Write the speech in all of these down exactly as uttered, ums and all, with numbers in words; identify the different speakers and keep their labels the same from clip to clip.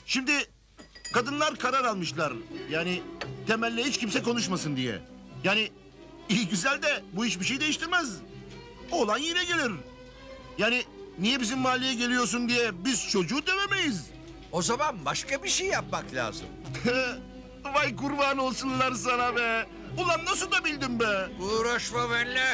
Speaker 1: Şimdi kadınlar karar almışlar. Yani Temel'le hiç kimse konuşmasın diye. Yani iyi güzel de bu hiçbir şey değiştirmez. Oğlan yine gelir. Yani niye bizim mahalleye geliyorsun diye biz çocuğu dövemeyiz.
Speaker 2: O zaman başka bir şey yapmak lazım.
Speaker 1: Vay kurban olsunlar sana be. Ulan nasıl da bildin be?
Speaker 2: Uğraşma benimle.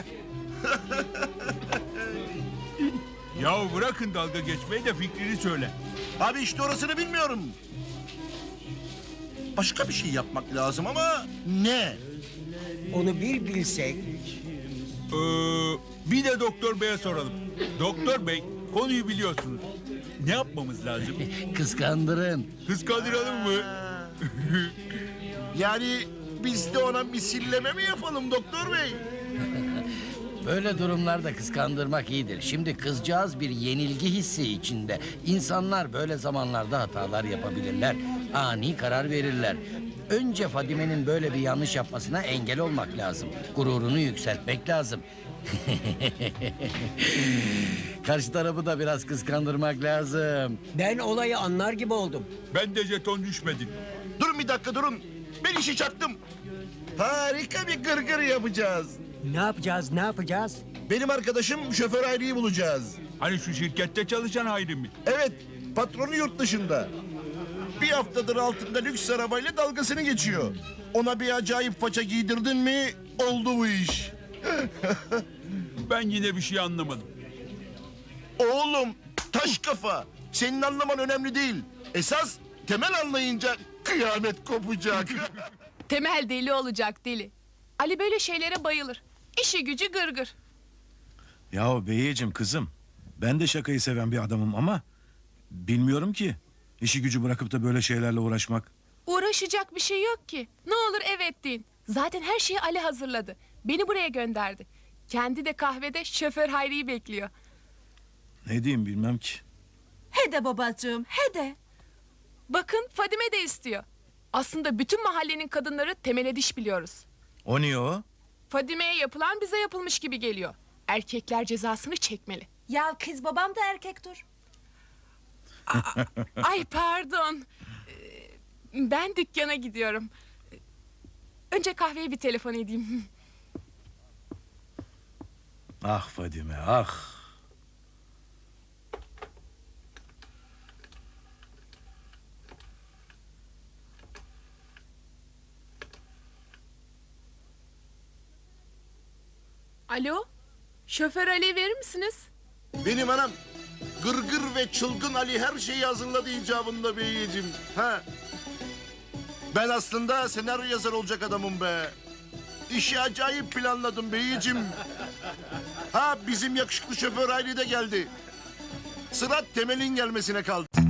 Speaker 3: Yahu bırakın dalga geçmeyi de fikrini söyle.
Speaker 1: Abi işte orasını bilmiyorum. Başka bir şey yapmak lazım ama ne?
Speaker 4: Onu bir bilsek.
Speaker 3: Ee, bir de doktor beye soralım. Doktor bey, konuyu biliyorsunuz. Ne yapmamız lazım?
Speaker 5: Kıskandırın.
Speaker 3: Kıskandıralım mı?
Speaker 1: Yani biz de ona misilleme mi yapalım doktor bey?
Speaker 5: Böyle durumlarda kıskandırmak iyidir. Şimdi kızcağız bir yenilgi hissi içinde. İnsanlar böyle zamanlarda hatalar yapabilirler. Ani karar verirler. Önce Fadime'nin böyle bir yanlış yapmasına engel olmak lazım. Gururunu yükseltmek lazım. Karşı tarafı da biraz kıskandırmak lazım.
Speaker 4: Ben olayı anlar gibi oldum.
Speaker 3: Ben de jeton düşmedi.
Speaker 1: Durun bir dakika durun. Ben işi çaktım. Harika bir gırgır yapacağız.
Speaker 4: Ne yapacağız, ne yapacağız?
Speaker 1: Benim arkadaşım şoför Hayri'yi bulacağız.
Speaker 3: Hani şu şirkette çalışan Hayri mi?
Speaker 1: Evet, patronu yurt dışında. Bir haftadır altında lüks arabayla dalgasını geçiyor. Ona bir acayip faça giydirdin mi oldu bu iş.
Speaker 3: Ben yine bir şey anlamadım.
Speaker 1: Oğlum taş kafa. Senin anlaman önemli değil. Esas Temel anlayınca kıyamet kopacak.
Speaker 6: Temel deli olacak deli. Ali böyle şeylere bayılır. İşi gücü gırgır.
Speaker 7: Yahu beyeciğim kızım. Ben de şakayı seven bir adamım ama... bilmiyorum ki. İşi gücü bırakıp da böyle şeylerle uğraşmak.
Speaker 6: Uğraşacak bir şey yok ki. Ne olur evet deyin. Zaten her şeyi Ali hazırladı. Beni buraya gönderdi. Kendi de kahvede şoför Hayri'yi bekliyor.
Speaker 7: Ne diyeyim bilmem ki.
Speaker 8: He de babacığım, he de.
Speaker 6: Bakın Fadime de istiyor. Aslında bütün mahallenin kadınları Temel'e diş biliyoruz.
Speaker 7: O niye o?
Speaker 6: Fadime'ye yapılan bize yapılmış gibi geliyor. Erkekler cezasını çekmeli.
Speaker 8: Ya kız babam da erkektir.
Speaker 6: Ay pardon. Ee, Ben dükkana gidiyorum. Önce kahveye bir telefon edeyim.
Speaker 7: Ah Fadime ah.
Speaker 6: Alo, şoför Ali verir misiniz?
Speaker 1: Benim anam gırgır ve çılgın Ali her şeyi hazırladı icabında beyciğim. Ha. Ben aslında senaryo yazar olacak adamım be. İşi acayip planladım beyciğim. Ha bizim yakışıklı şoför Hayri de geldi. Sıra Temel'in gelmesine kaldı.